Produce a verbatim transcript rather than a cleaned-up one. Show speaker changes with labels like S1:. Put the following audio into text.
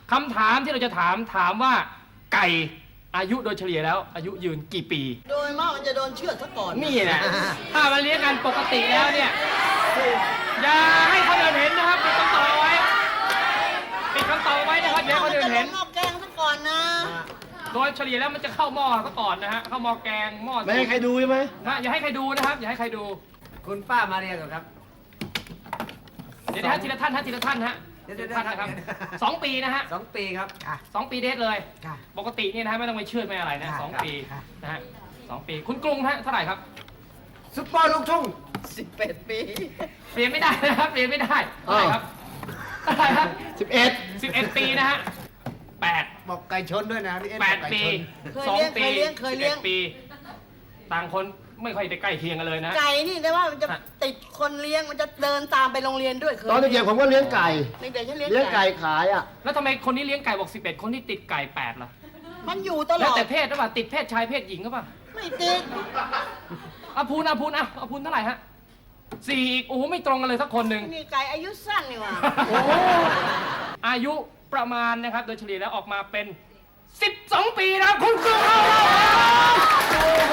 S1: คำถามที่เราจะถามถามว่าไก่อายุโดยเฉลี่ยแล้วอายุยืนกี่ปี
S2: โดยมากมันจะโดนเชือดซะก่อน
S1: นี่แหละถ้ามันเลี้ยงกันปกติแล้วเนี่ยอย่าให้คนอื่นเห็นนะครับปิดคำตอบไว้ปิดคำตอบไว้นะครับอย่าให้คนอื่นเห็น
S2: หม้อแกงซะก่อนนะ
S1: โดยเฉลี่ยแล้วมันจะเข้าหม้อซะก่อนนะฮะเข้าหม้อแกงหม้อ
S3: ไม่ให้ใครดูใช่ไหม
S1: นะอย่าให้ใครดูนะครับอย่าให้ใครดู
S4: คุณป้ามาเรียนก่อนครับ
S1: เดี๋ยวนะฮะทีละท่านฮะทีละท่านฮะทีละท่านนะครับสองปีนะฮะ
S4: สองปีครับ
S1: สองปีเดทเลยปกตินี่นะฮะไม่ต้องไปเชื่อไม่อะไรนะสองปีนะฮะสองปีคุณกรุงฮะเท่าไหร่ครับ
S4: ซุปเปอร์ลูกทุ่ง
S2: สิบแปดปี
S1: เปลี่ยนไม่ได้นะครับเปลี่ยนไม่ได้เท่าไหร่ครับเท่าไหร่ครับ
S3: สิบเอ็ด
S1: สิบเอ็ดปีนะฮะแปด
S4: บอกไก่ชนด้วยนะพี่เอ็น
S1: แปดปีสองปี
S2: เคยเลี้ยง
S1: ปีต่างคนไม่ค่อยได้ใกล้เคียงกันเลยนะ
S2: ไก่นี่แต่ว่ามันจะติดคนเลี้ยงมันจะเดินตามไปโรงเรียนด้วย
S3: ตอนเด็กๆผมก็เลี้ยงไก่
S2: เด็กๆฉันเลี้ยง
S3: เลี้ยงไก่ขายอ่ะ
S1: แล้วทำไมคนนี้เลี้ยงไก่บอกสิบเอ็ดคนที่ติดไก่แปดล่ะ
S2: มันอยู่ตลอด
S1: แล้วแต่เพศหรือเปล่าติดเพศชายเพศหญิงหรือเปล่า
S2: ไม่ติด
S1: อาพูนอาพูนอ่ะอาพูนเท่าไหร่ฮะสี่อีกโอ้ไม่ตรงกันเลยสักคนหนึ่ง
S2: นี่ไก่อายุสั้นนี่ว่า
S1: โอ้อายุประมาณนะครับโดยเฉลี่ยแล้วออกมาเป็นสิบสองปีนะคุณครู